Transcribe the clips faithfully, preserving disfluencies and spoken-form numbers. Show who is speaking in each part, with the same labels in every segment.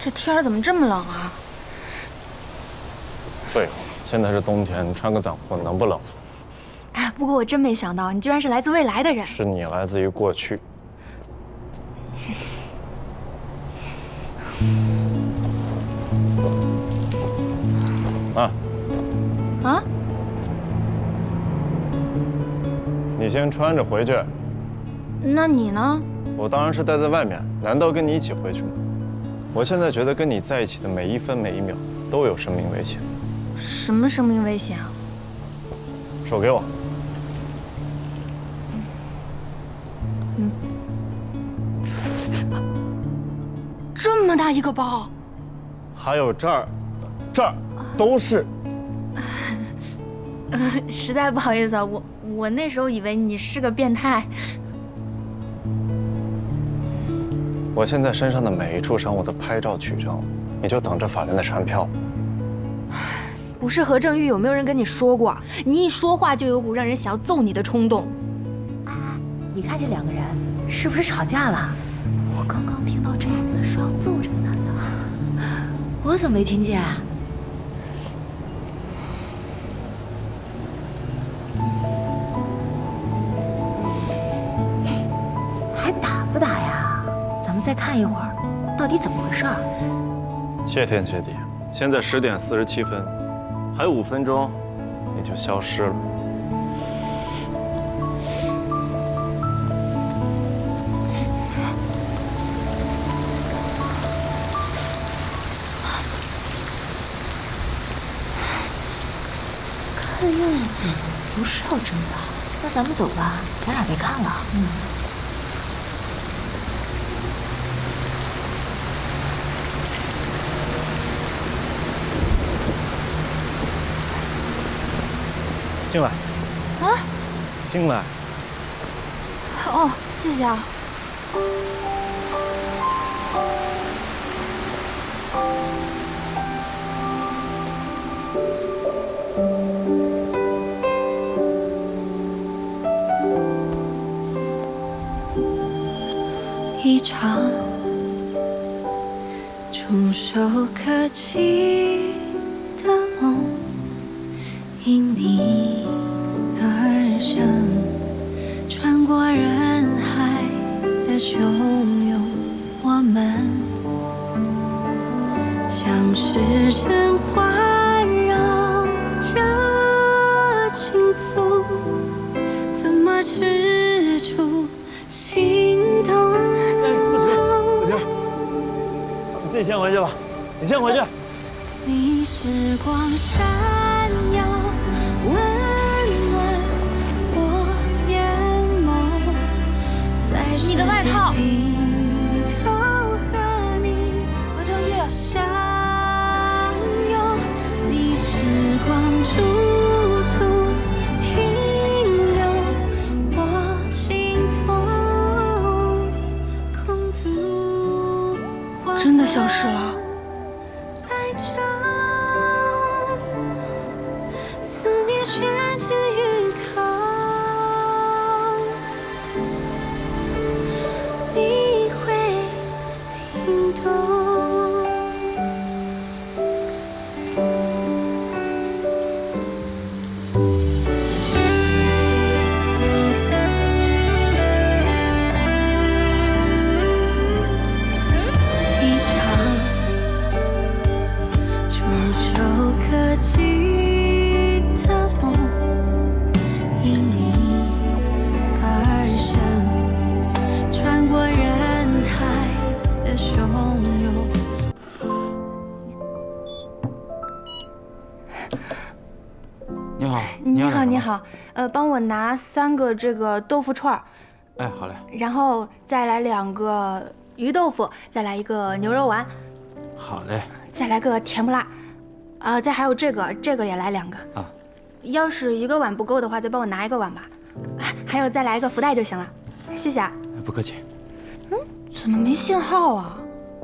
Speaker 1: 这天儿怎么这么冷啊？
Speaker 2: 废话，现在是冬天，你穿个短裤能不冷死？
Speaker 1: 哎，不过我真没想到，你居然是来自未来的人。
Speaker 2: 是你来自于过去。啊
Speaker 1: 啊！
Speaker 2: 你先穿着回去。
Speaker 1: 那你呢？
Speaker 2: 我当然是待在外面，难道跟你一起回去吗？我现在觉得跟你在一起的每一分每一秒都有生命危险。
Speaker 1: 什么生命危险啊？
Speaker 2: 手给我。
Speaker 1: 嗯。这么大一个包。
Speaker 2: 还有这儿，这儿都是。
Speaker 1: 呃，实在不好意思啊，我我那时候以为你是个变态。
Speaker 2: 我现在身上的每一处伤我都拍照取证，你就等着法院的传票。
Speaker 1: 不是何正玉，有没有人跟你说过，你一说话就有股让人想要揍你的冲动？
Speaker 3: 哎，你看这两个人是不是吵架了？我刚刚听到这女的说要揍这个男的，我怎么没听见？还打不打呀？咱们再看一会儿，到底怎么回事？
Speaker 2: 谢天谢地，现在十点四十七分，还有五分钟，你就消失了。
Speaker 3: 看样子不是要争的，那咱们走吧，咱俩别看了。嗯。
Speaker 2: 进来。
Speaker 1: 啊？
Speaker 2: 进来。
Speaker 1: 哦，谢谢啊。
Speaker 4: 一场触手可及的梦，因你而生，穿过人海的汹涌，我们像是甄嬛绕着青葱，怎么止住心动？
Speaker 2: 你自己先回去吧，你先回去。
Speaker 4: 你时光闪耀，温暖我眼眸，在
Speaker 1: 你的外套。
Speaker 4: 尽头和你
Speaker 1: 何正玉，
Speaker 4: 相拥，你时光驻足停留我心头，空独
Speaker 1: 真的消失了。
Speaker 4: 白昼，思念悬置于口，你会听懂。一场触手可及的梦，因你而生，穿过人海的汹涌。
Speaker 5: 你好，
Speaker 1: 你好，你
Speaker 5: 好。
Speaker 1: 好，呃，帮我拿三个这个豆腐串儿，
Speaker 5: 哎，好嘞。
Speaker 1: 然后再来两个鱼豆腐，再来一个牛肉丸，
Speaker 5: 好嘞。
Speaker 1: 再来个甜不辣，啊、再还有这个，这个也来两个。
Speaker 5: 啊，
Speaker 1: 要是一个碗不够的话，再帮我拿一个碗吧。哎还有再来一个福袋就行了，谢谢啊。
Speaker 5: 不客气。
Speaker 1: 嗯，怎么没信号啊？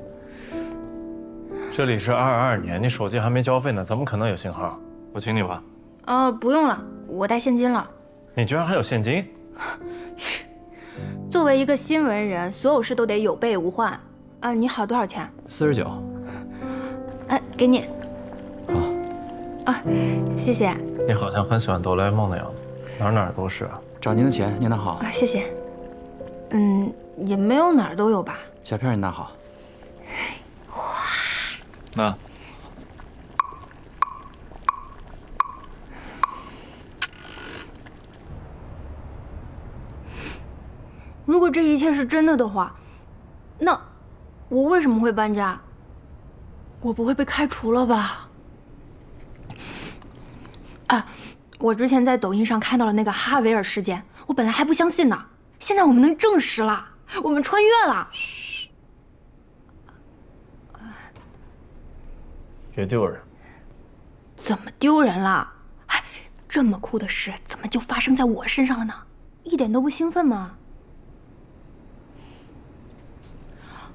Speaker 2: 这里是二二年，你手机还没交费呢，怎么可能有信号？我请你吧。
Speaker 1: 哦，不用了，我带现金了。
Speaker 2: 你居然还有现金？
Speaker 1: 作为一个新闻人，所有事都得有备无患。啊，你好，多少钱？
Speaker 5: 四十九。
Speaker 1: 哎，给你。
Speaker 5: 好。
Speaker 1: 啊，谢谢。
Speaker 2: 你好像很喜欢哆啦 A 梦的样子，哪儿哪儿都是啊。
Speaker 5: 找您的钱，您拿好。
Speaker 1: 啊，谢谢。嗯，也没有哪儿都有吧。
Speaker 5: 小片你拿好。
Speaker 2: 那。
Speaker 1: 如果这一切是真的的话，那我为什么会搬家？我不会被开除了吧？啊，我之前在抖音上看到了那个哈维尔事件，我本来还不相信呢，现在我们能证实了，我们穿越了。
Speaker 2: 嘘，别丢人。
Speaker 1: 怎么丢人了？哎，这么酷的事怎么就发生在我身上了呢？一点都不兴奋吗？